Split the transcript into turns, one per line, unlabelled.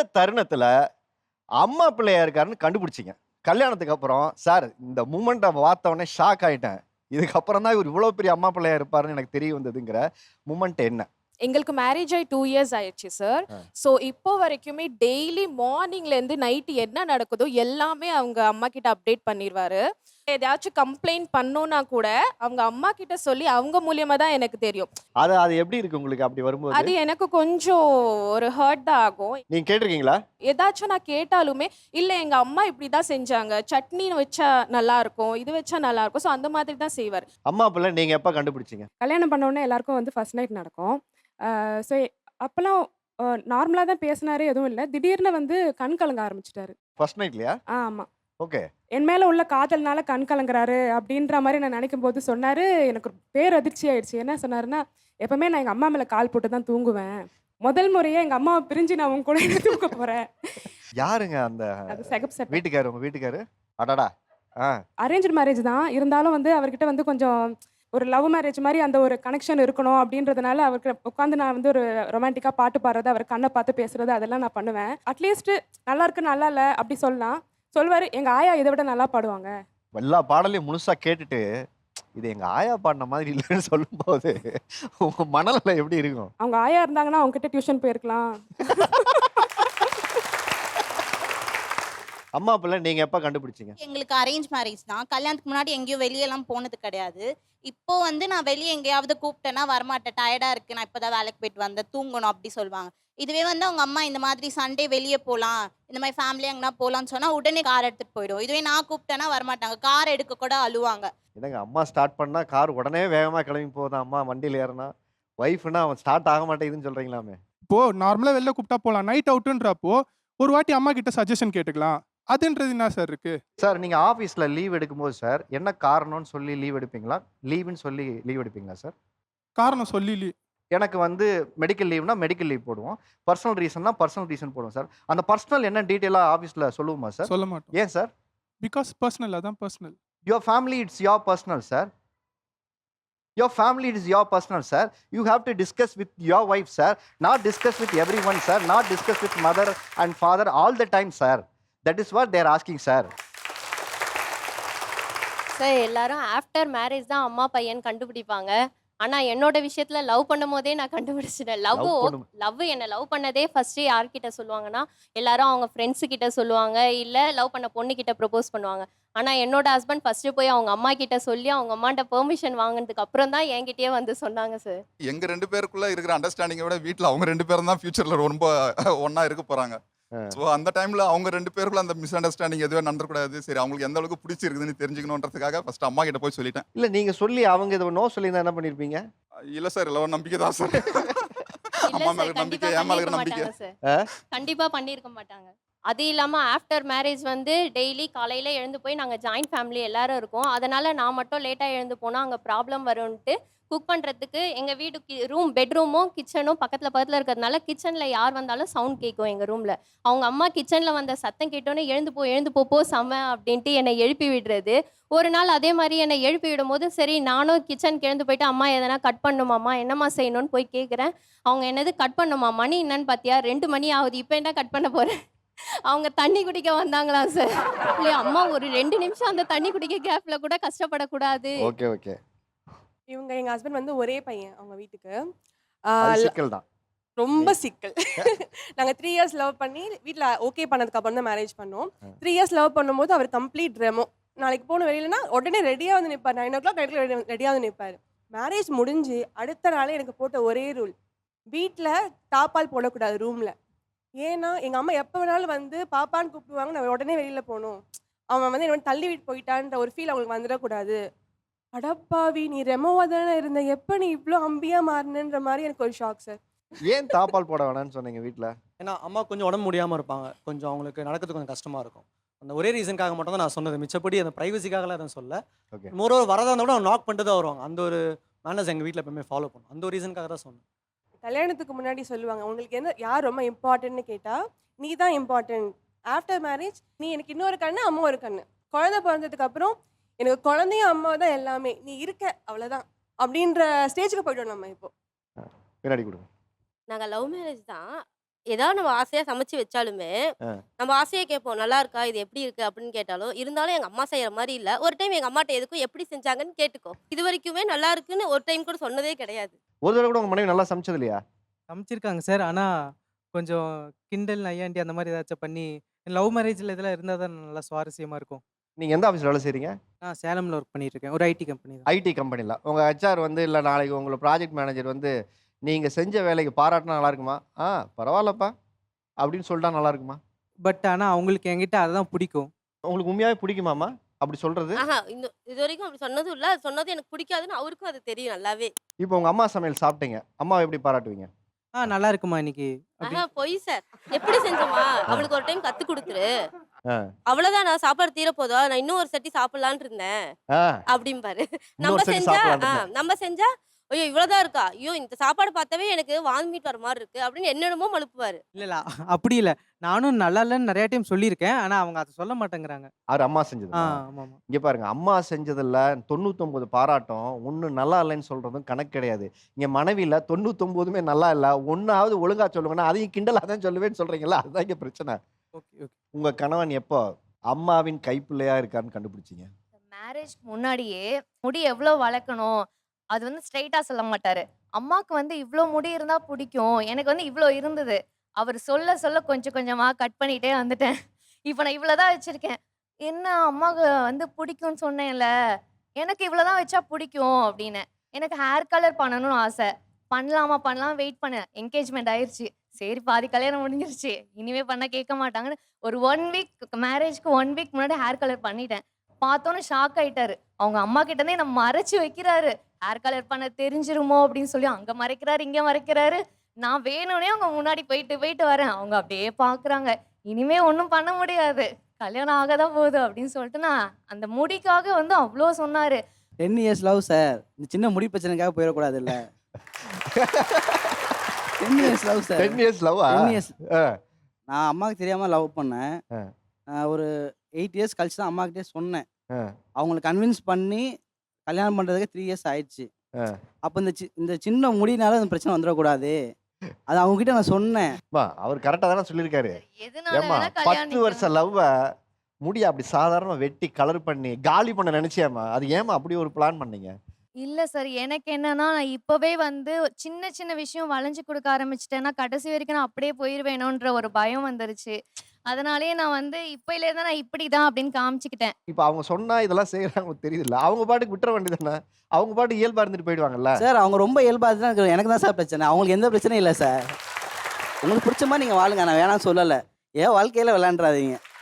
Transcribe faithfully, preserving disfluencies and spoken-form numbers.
தருணத்துல அம்மா பிள்ளையா இருக்காருன்னு கண்டுபிடிச்சீங்க? கல்யாணத்துக்கு அப்புறம், சார் இந்த மூமெண்ட்ட பார்த்த உடனே ஷாக் ஆயிட்டேன். இதுக்கப்புறம் தான் இவரு இவ்வளோ பெரிய அம்மா பிள்ளையா இருப்பாருன்னு எனக்கு தெரிய வந்ததுங்கிற மூமெண்ட் என்ன?
எங்களுக்கு மேரேஜ் ஆகி டூ இயர்ஸ் ஆயிடுச்சு சார்.
அ.
ஸோ இப்போ வரைக்குமே டெய்லி மார்னிங்லேருந்து நைட்டு என்ன நடக்குதோ எல்லாமே அவங்க அம்மா கிட்ட அப்டேட் பண்ணிருவாரு. எதையாச்சும் கம்ப்ளைண்ட் பண்ணோம்னா கூட அவங்க அம்மா கிட்ட சொல்லி அவங்க மூலியமா தான் எனக்கு தெரியும்.
அது அது எப்படி இருக்கு உங்களுக்கு அப்படி வரும்போது?
அது எனக்கு கொஞ்சம் ஒரு ஹர்ட் தான் ஆகும்.
நீங்க கேட்டிருக்கீங்களா?
ஏதாச்சும் நான் கேட்டாலுமே, இல்ல எங்க அம்மா இப்படி தான் செஞ்சாங்க. சட்னி வச்சா நல்லாருக்கும், இது வச்சா நல்லாருக்கும். ஸோ அந்த மாதிரி தான் செய்வாரு.
அம்மா பிள்ளை நீங்க எப்ப கண்டுபிடிச்சீங்க?
கல்யாணம் பண்ண உடனே எல்லாருக்கும் வந்து ஃபர்ஸ்ட் நைட் நடக்கும். அ ஸோ அப்பலாம் அ நார்மலா தான் பேசினாரு, எதுவும் இல்ல. திடீர்னு வந்து கண் கலங்க ஆரம்பிச்சுட்டாரு.
ஃபர்ஸ்ட் நைட்லயா?
ஆமா.
ஓகே.
என் மேல உள்ள காதல்னால கண் கலங்குறாரு அப்படின்ற மாரி நான் நினைக்கும்போது சொன்னாரு. எனக்கு ஒரு பேரதிர்ச்சி ஆயிடுச்சு. என்ன சொன்னாருன்னா, எப்பவுமே நான் எங்க அம்மா மேல கால் போட்டு தான் தூங்குவேன். முதல் முறையா எங்க அம்மாவ பிரிஞ்சு நான் உன் கூட தூங்க போறேன்.
யாருங்க அந்த
அது செகப் செட்.
வீட்டுக்காரு? உங்க வீட்டுக்காரு? அடடா! ஆ.
அரேஞ்ச்டு மேரேஜ் தான். இருந்தாலும் வந்து அவர்கிட்ட வந்து கொஞ்சம் ஒரு லவ் மேரேஜ் மாரி அந்த ஒரு கனெக்ஷன் இருக்கணும் அப்படின்றதுனால அவருக்கு உட்காந்து நான் வந்து ஒரு ரொமான்டிக்கா பாட்டு பாடுறது, அவர் கண்ண பார்த்து பேசுறது அதெல்லாம் நான் பண்ணுவேன். அட்லீஸ்ட் நல்லா இருக்கு, நல்லா இல்ல அப்படி சொல்லலாம். சொல்வாரு, எங்க ஆயா இத விட நல்லா பாடுவாங்க.
எல்லா பாடலையும் முழுசா கேட்டுட்டு, இது எங்க ஆயா பாடுன மாதிரி இல்லன்னு சொல்லும்போது, உங்க மனநிலை எப்படி இருக்கும்?
அவங்க ஆயா இருந்தாங்கன்னா அவங்க கிட்ட டியூஷன் போயிருக்கலாம்.
அம்மா பிள்ளை நீங்க எப்ப கண்டுபிடிச்சீங்க?
எங்களுக்கு அரேஞ்ச் மேரேஜ் தான். கல்யாணத்துக்கு முன்னாடி எங்கேயும் வெளியலாம் போனது கிடையாது. இப்போ வந்து நான் வெளிய எங்கேயாவது கூப்பிட்டேன்னா வரமாட்டேன். டயர்டா இருக்கு. நான் இப்பதான் வேலைக்கு போயிட்டு வந்தேன். தூங்கணும் அப்படி சொல்லுவாங்க. இதுவே வந்து அவங்க அம்மா இந்த மாதிரி சண்டே வெளிய போலாம். இந்த மாதிரி ஃபேமிலியா எங்கனா போலான்னு சொன்னா உடனே கார் எடுத்துட்டு போயிடும். இதுவே நான் கூப்பிட்டேன்னா வரமாட்டாங்க. கார் எடுக்க கூட அழுவாங்க.
என்னங்க அம்மா ஸ்டார்ட் பண்ணா கார் உடனே வேகமா கிளம்பி போகுதாம். அம்மா வண்டியில ஏறுனா, ஒய்ஃப்னா அவன் ஸ்டார்ட் ஆக மாட்டேங்குதுன்னு சொல்றீங்களாமே.
இப்போ நார்மலா வெளில கூப்பிட்டா போலாம். நைட் அவுட்ன்றப்போ ஒரு வாட்டி அம்மா கிட்ட சஜஷன் கேட்டுக்கலாம். அதுன்றது என்ன சார் இருக்கு?
சார் நீங்க ஆபீஸ்ல லீவ் எடுக்கும்போது சார், என்ன காரணம்னு சொல்லி லீவ் எடுப்பீங்களா? லீவுன்னு சொல்லி லீவ் எடுப்பீங்களா சார்?
காரணம் சொல்லி லீ
எனக்கு வந்து மெடிக்கல் லீவ்னா மெடிக்கல் லீவ் போடுவோம். பர்சனல் ரீசன்னா பர்சனல் ரீசன் போடுவோம் சார். அந்த பர்சனல் என்ன டீட்டெயிலா ஆபீஸ்ல சொல்லுவோமா சார்?
சொல்ல மாட்டோம்.
ஏன் சார்?
பிகாஸ் பர்சனல் அதான் personal.
Your family it's your personal sir. Your family is your personal sir. You have to discuss with your wife sir. Not discuss with everyone sir. Not discuss with mother and father all the time sir. That is what they R asking sir.
Sir எல்லாரும் after marriage தான் அம்மா பையன் கண்டுபிடிப்பாங்க. ஆனா என்னோட விஷயத்துல love பண்ணும்போதே நான் கண்டுபிடிச்சிட்டேன். லவ்
லவ் பண்ணும்
லவ் என்ன லவ் பண்ணதே ஃபர்ஸ்ட் யார்கிட்ட சொல்லுவாங்கன்னா, எல்லாரும் அவங்க ஃப்ரெண்ட்ஸ் கிட்ட சொல்லுவாங்க, இல்ல லவ் பண்ண பொண்ணு கிட்ட ப்ரப்போஸ் பண்ணுவாங்க. ஆனா என்னோட ஹஸ்பண்ட் ஃபர்ஸ்ட் போய் அவங்க அம்மா கிட்ட சொல்லி அவங்க அம்மாட்ட பெர்மிஷன் வாங்குனதுக்கு அப்புறம் தான் என்கிட்டயே வந்து சொன்னாங்க சார்.
எங்க ரெண்டு பேருக்குள்ள இருக்கிற அண்டர்ஸ்டாண்டிங்கை விட வீட்ல அவங்க ரெண்டு பேரும் தான் ஃபியூச்சர்ல ரொம்ப ஒண்ணா இருக்க போறாங்க.
ஆ.
ஸோ அந்த டைம்ல அவங்க ரெண்டு பேருக்குள்ள அந்த மிஸ் அண்டர்ஸ்டாண்டிங் எதுவும் நடந்துக்கூடாது. சரி அவங்களுக்கு எந்த அளவுக்கு பிடிச்சிருக்குதுன்னு தெரிஞ்சுக்கணுன்றதுக்காக ஃபர்ஸ்ட் அம்மா கிட்ட போய் சொல்லிட்டேன்.
இல்ல நீங்க சொல்லி அவங்க இதை நோ சொல்லியிருந்தா என்ன பண்ணிருப்பீங்க?
இல்ல சார் இல்ல நம்பிக்கை தான் சார்.
இல்ல
அம்மா மேல
சார்
இருக்கிற
கண்டிப்பா
நம்பிக்கை என் மேல இருக்கிற
பண்ணிருக்க
நம்பிக்கை.
மாட்டாங்க சார். கண்டிப்பா பண்ணியிருக்க மாட்டாங்க. அது இல்லாம ஆஃப்டர் மேரேஜ் வந்து டெய்லி காலையில எழுந்து போய் நாங்க ஜாயிண்ட் ஃபேமிலி எல்லாரும் இருக்கோம். அதனால நான் மட்டும் லேட்டா எழுந்து போனா அங்க ப்ராப்ளம் வரும்ன்ட்டு குக் பண்றதுக்கு எங்க வீடு ரூம் பெட்ரூமும் கிச்சனும் பக்கத்துல பக்கத்துல இருக்கிறதுனால கிச்சன்ல யார் வந்தாலும் சவுண்ட் கேட்கும் எங்க ரூம்ல. அவங்க அம்மா கிச்சன்ல வந்த சத்தம் கேட்டோன்னே எழுந்து போ எழுந்து போ போ செம அப்படின்ட்டு என்னை எழுப்பி விடுறது. ஒரு நாள் அதே மாதிரி என்னை எழுப்பி விடும்போது சரி நானும் கிச்சனுக்கு எழுந்து போயிட்டு அம்மா எதனா கட் பண்ணுமாம்மா என்னம்மா செய்யணும்னு போய் கேட்குறேன். அவங்க என்னது கட் பண்ணுமா மணி என்னன்னு பார்த்தியா ரெண்டு மணி ஆகுது இப்போ என்ன கட் பண்ண போறேன். அவங்க தண்ணி குடிக்க வந்தாங்களா சார். இல்லையா அம்மா ஒரு ரெண்டு நிமிஷம் அந்த தண்ணி குடிக்க கேப்ல கூட கஷ்டப்படக்கூடாது.
Okay okay.
இவங்க எங்க ஹஸ்பண்ட் வந்து ஒரே பையன் அவங்க வீட்டுக்கு. ஆ,
அது
ல-
சிக்கல் தான்.
ரொம்ப சிக்கல். நாங்க த்ரீ இயர்ஸ் லவ் பண்ணி வீட்டில் ஓகே பண்ணதுக்கு அப்புறம் தான் மேரேஜ் பண்ணோம். த்ரீ இயர்ஸ் லவ் பண்ணும்போது அவர் கம்ப்ளீட் ரெமோ. நாளைக்கு போன வெளியிலனா உடனே ரெடியாக வந்து நிற்பார். நைன் ஓ கிளாக் நைட்டில் ரெடியாக வந்து நிற்பார். மேரேஜ் முடிஞ்சு அடுத்த நாளே எனக்கு போட்ட ஒரே ரூல், வீட்டில் தாப்பால் போடக்கூடாது ரூமில். ஏன்னா எங்கள் அம்மா எப்போ வேணாலும் வந்து பாப்பான்னு கூப்பிடுவாங்க, நான் உடனே வெளியில் போகணும். அவன் வந்து என்ன தள்ளி விட்டு போயிட்டான்ற ஒரு ஃபீல் அவங்களுக்கு வந்துடக்கூடாது. அடப்பாவி நீ ரெமோவா தானே இருந்த, எப்போ நீ இவ்வளோ அம்பியா மாறினன்ற மாதிரி எனக்கு ஒரு ஷாக் சார்.
ஏன் தாப்பால் போட வேணாம்னு சொன்னீங்க வீட்ல?
ஏன்னா அம்மா கொஞ்சம் உடம்பு முடியாமல் இருப்பாங்க. கொஞ்சம் அவங்களுக்கு நடக்கிறது கொஞ்சம் கஷ்டமாக இருக்கும். அந்த ஒரே ரீசனுக்காக மட்டும் தான் நான் சொன்னது. மிச்சப்படி அந்த ப்ரைவசிக்காகலாம் எதுவும் சொல்ல.
ஓகே.
மோரோவர் வரதா இருந்தால் கூட அவங்க நாக் பண்ணிட்டு தான் வருவாங்க. அந்த ஒரு மேனர்ஸ் எங்கள் வீட்டில் எப்பவுமே ஃபாலோ பண்ணும். அந்த ஒரு ரீசனுக்காக தான் சொன்னேன்.
கல்யாணத்துக்கு முன்னாடி சொல்லுவாங்க, உங்களுக்கு என்ன யார் ரொம்ப இம்பார்ட்டன்ட்னு கேட்டால் நீ தான் இம்பார்ட்டன்ட். ஆஃப்டர் மேரேஜ் நீ எனக்கு இன்னொரு கண்ணு அம்மா ஒரு கண்ணு. குழந்தை பிறந்ததுக்கு அப்புறம் எனக்கு குழந்தையும் அம்மா தான் எல்லாமே, நீ இருக்க அவ்வளோதான் அப்படின்ற ஸ்டேஜுக்கு போய்ட்டோம் நம்ம இப்போ.
பின்னாடி கொடுங்க.
நாங்கள் லவ் மேரேஜ் தான்.
ஏதாவது நம்ம ஆசையாக சமைச்சு வச்சாலுமே
ஆ.
நம்ம ஆசையாக கேட்போம் நல்லா இருக்கா இது எப்படி இருக்கு அப்படின்னு கேட்டாலும் இருந்தாலும் எங்கள் அம்மா செய்கிற மாதிரி இல்லை ஒரு டைம் எங்கள் அம்மாட்ட எதுக்கும் எப்படி செஞ்சாங்கன்னு கேட்டுக்கோ இது வரைக்குமே நல்லா இருக்குன்னு ஒரு டைம் கூட சொன்னதே கிடையாது.
ஒரு தடவை கூட உங்க மனைவி நல்லா சமைச்சது இல்லையா?
சமைச்சிருக்காங்க சார். ஆனால் கொஞ்சம் கிண்டல் நையாண்டி அந்த மாதிரி ஏதாச்சும் பண்ணி லவ் மேரேஜில் இதெல்லாம் இருந்தால் தான் நல்லா சுவாரஸ்யமாக இருக்கும்.
நீங்க எந்த ஆஃபீஸில் வேலை செய்றீங்க?
நான் சேலமில் ஒர்க் பண்ணிட்டு இருக்கேன். ஒரு ஐடி கம்பெனி தான்.
ஐடி கம்பெனியில் உங்க ஹெச்ஆர் வந்து இல்லை நாளைக்கு உங்களை ப்ராஜெக்ட் மேனேஜர் வந்து நீங்க செஞ்ச வேலைக்கு பாராட்டினா நல்லா இருக்குமா? ஆ பரவாயில்லப்பா அப்படின்னு சொல்லிட்டா நல்லா இருக்குமா?
பட் ஆனால் அவங்களுக்கு என்கிட்ட அதுதான் பிடிக்கும்.
உங்களுக்கு உண்மையாவே பிடிக்குமாமா அப்படி சொல்றது?
ஆஹா இந்த இது வரைக்கும் அப்படி சொன்னதும் இல்லை அது சொன்னது எனக்கு பிடிக்காதுன்னு அவருக்கும் அது தெரியும் நல்லாவே.
இப்போ உங்க அம்மா சமையல் சாப்பிட்டீங்க, அம்மாவை எப்படி பாராட்டுவீங்க?
ஆ நல்லா இருக்குமா இன்னைக்கு அப்படி.
ஆஹா பொய் சார் எப்படி செஞ்சோமா அவளுக்கு ஒரு டைம் கத்து கொடுத்துரு
ஆ.
அவ்வளவுதான் நான் சாப்பாடு தீர போதா நான் இன்னும் ஒரு சட்டி சாப்பிடலான்னு இருந்தேன்
ஆ,
அப்படிம்பாரு. நம்ம
இன்னொரு சரி
செஞ்சா
சாப்பிடலாம்.
ஆ, நம்ம செஞ்சா ஐயோ இவ்வளவுதான் இருக்கா ஐயோ இந்த சாப்பாடு பார்த்தாவே எனக்கு வாமிட் வர மாதிரி இருக்கு அப்படின்னு என்னென்னமோ மழுப்புவாரு.
இல்லை இல்லை அப்படி இல்லை. நானும் நல்லா இல்லைன்னு நிறைய டைம் சொல்லியிருக்கேன். ஆனால் அவங்க அதை சொல்ல மாட்டேங்கிறாங்க.
அவர் அம்மா
ஆ
செஞ்சது.
ஆமாம் ஆமாம்.
இங்க பாருங்க, அம்மா செஞ்சதில்ல தொண்ணூத்தொன்பது பாராட்டும் ஒண்ணு நல்லா இல்லைன்னு சொல்றதும் கணக்கு கிடையாது. இங்க மனைவியில தொண்ணூத்தொன்பதுமே நல்லா இல்ல, ஒன்னாவது ஒழுங்கா சொல்லுங்கன்னா அதையும் கிண்டலா தான் சொல்லுவேன்னு சொல்றீங்களா? அதுதான் இங்க பிரச்சனை.
Okay okay.
உங்க கணவன் எப்போ அம்மாவின் கைப்பிள்ளையா இருக்காருன்னு கண்டுபிடிச்சீங்க?
மேரேஜ்க்கு முன்னாடியே முடி எவ்வளோ வளர்க்கணும் அது வந்து ஸ்ட்ரைட்டாக சொல்ல மாட்டாரு. அம்மாவுக்கு வந்து இவ்வளோ முடி இருந்தால் பிடிக்கும், எனக்கு வந்து இவ்வளோ இருந்தது. அவர் சொல்ல சொல்ல கொஞ்சம் கொஞ்சமாக கட் பண்ணிகிட்டே வந்துட்டேன். இப்போ நான் இவ்வளோ தான் வச்சுருக்கேன். என்ன அம்மாவுக்கு வந்து பிடிக்கும்னு சொன்னேன்ல, எனக்கு இவ்வளோ தான் வச்சா பிடிக்கும் அப்படின்னு. எனக்கு ஹேர் கலர் பண்ணணும்னு ஆசை. பண்ணலாமா பண்ணலாம் வெயிட் பண்ணேன். என்கேஜ்மெண்ட் ஆயிடுச்சு. சரி பாதி கல்யாணம் முடிஞ்சிருச்சு, இனிமே பண்ண கேட்க மாட்டாங்கன்னு ஒரு ஒன் வீக் மேரேஜ்க்கு ஒன் வீக் முன்னாடி ஹேர் கலர் பண்ணிட்டேன். பார்த்தோன்னே ஷாக் ஆயிட்டாரு. அவங்க அம்மா கிட்டேருந்தே நம்ம மறைச்சு வைக்கிறாரு. ஹேர் கலர் பண்ண தெரிஞ்சிருமோ அப்படின்னு சொல்லி அங்கே மறைக்கிறாரு இங்கே மறைக்கிறாரு. நான் வேணும்னே அவங்க முன்னாடி போயிட்டு போயிட்டு வரேன். அவங்க அப்படியே பார்க்குறாங்க. இனிமே ஒன்றும் பண்ண முடியாது, கல்யாணம் ஆக தான் போகுது அப்படின்னு சொல்லிட்டு நான் அந்த முடிக்காக வந்து அவ்வளோ சொன்னார்.
டென் இயர்ஸ் லவ் சார், இந்த சின்ன முடி பிரச்சனைக்காக போயிடக்கூடாது இல்லை. Ten years love sir.
Ten years லவ்வா?
டென் இயர்ஸ் நான் அம்மாவுக்கு தெரியாமல் லவ் பண்ணேன். நான் ஒரு எயிட் இயர்ஸ் கழிச்சு தான் அம்மாக்கிட்டே சொன்னேன். அவங்களை கன்வின்ஸ் பண்ணி கல்யாணம் பண்ணுறதுக்கு த்ரீ இயர்ஸ் ஆயிடுச்சு. அப்போ இந்த சி இந்த சின்ன முடினால அந்த பிரச்சனை வந்துடக்கூடாது, அது அவங்ககிட்ட நான் சொன்னேன்.
அவர் கரெக்டாக தானே சொல்லியிருக்காரு.
எதனால
ஏமா
வேணா
பத்து
கல்யாணம்
வருஷம் லவ்வ முடிய அப்படி சாதாரண வெட்டி கலர் பண்ணி காலி பண்ண நினைச்சியாமா? அது ஏமா அப்படி ஒரு பிளான் பண்ணீங்க?
இல்லை சார், எனக்கு என்னன்னா நான் இப்போவே வந்து சின்ன சின்ன விஷயம் வளைஞ்சு கொடுக்க ஆரம்பிச்சிட்டேன்னா கடைசி வரைக்கும் நான் அப்படியே போயிடுவேணுன்ற ஒரு பயம் வந்துருச்சு. அதனாலேயே நான் வந்து இப்போலேருந்து நான் இப்படி தான் அப்படின்னு காமிச்சிக்கிட்டேன்.
இப்போ அவங்க சொன்னா இதெல்லாம் செய்யறாங்க தெரியுதுல்ல, அவங்க பாட்டுக்கு விட்டுற வேண்டியதானே? அவங்க பாட்டு இயல்பா இருந்துட்டு போயிடுவாங்கல்ல.
சார் அவங்க ரொம்ப இயல்பாக தான், எனக்கு தான் சார் பிரச்சனை. அவங்களுக்கு எந்த பிரச்சனையும் இல்லை சார். உங்களுக்கு பிடிச்ச மாதிரி நீங்கள் வாழுங்க, நான் வேணாம்னு சொல்லலை. ஏன் வாழ்க்கையில் விளையாண்டுறாதீங்க.